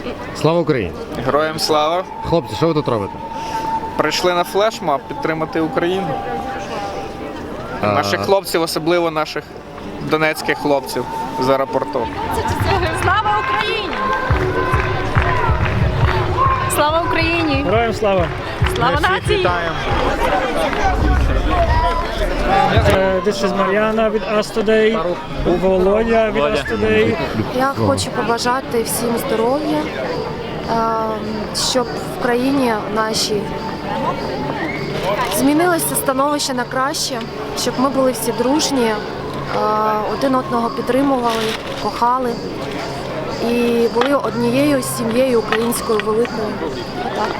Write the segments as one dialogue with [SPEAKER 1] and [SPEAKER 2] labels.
[SPEAKER 1] Слава Україні!
[SPEAKER 2] Героям слава!
[SPEAKER 1] Хлопці, що ви тут робите?
[SPEAKER 2] Прийшли на флешмоб підтримати Україну. Наших хлопців, особливо наших донецьких хлопців з аеропорту.
[SPEAKER 3] Слава Україні! Слава Україні!
[SPEAKER 4] Героям слава!
[SPEAKER 3] Слава нації!
[SPEAKER 4] This is Мар'яна від Us Today, Володя від Us Today.
[SPEAKER 5] Я хочу побажати всім здоров'я, щоб в країні нашій змінилося становище на краще, щоб ми були всі дружні, один одного підтримували, кохали і були однією сім'єю українською великою. Отак.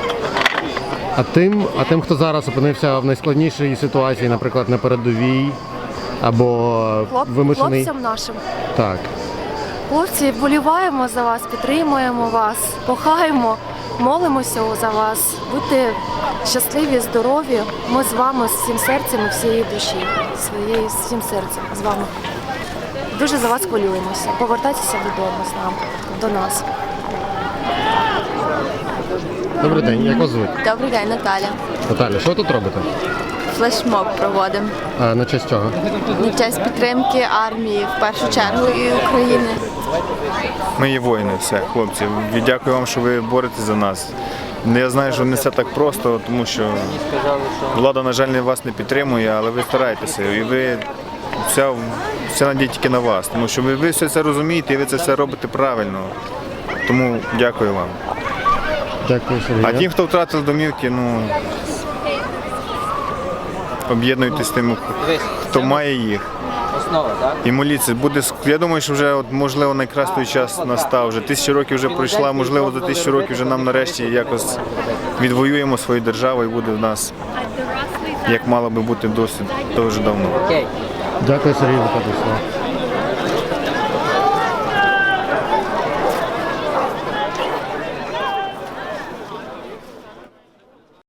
[SPEAKER 1] А тим, хто зараз опинився в найскладнішій ситуації, наприклад, на передовій або вимушений...
[SPEAKER 5] Хлопцям нашим.
[SPEAKER 1] Так.
[SPEAKER 5] Хлопці, вболіваємо за вас, підтримуємо вас, кохаємо, молимося за вас. Будьте щасливі, здорові. Ми з вами з всім серцем і всієї душі, своєю всім серцем з вами. Дуже за вас хвилюємося. Повертайтеся додому з нами, до нас.
[SPEAKER 1] Добрий день, як вас звуть?
[SPEAKER 6] Добрий день, Наталя.
[SPEAKER 1] Наталя, що ви тут робите?
[SPEAKER 6] Флешмоб проводимо.
[SPEAKER 1] А на честь чого?
[SPEAKER 6] На честь підтримки армії, в першу чергу, і України.
[SPEAKER 7] Ми є воїни, все, хлопці. Дякую вам, що ви боретесь за нас. Я знаю, що не все так просто, тому що влада, на жаль, вас не підтримує, але ви стараєтеся. І ви вся надія тільки на вас, тому що ви все це розумієте і ви це все робите правильно. Тому дякую вам.
[SPEAKER 1] Дякую, Сергій.
[SPEAKER 7] А ті, хто втратив домівки, об'єднуйтесь з тим, хто має їх. І моліться. Я думаю, що вже можливо найкращий час настав. Вже 1000 років вже пройшла, можливо, за 1000 років вже нам нарешті якось відвоюємо свою державу і буде в нас, як мало би бути досить дуже давно.
[SPEAKER 1] Дякую, Сергій, за те,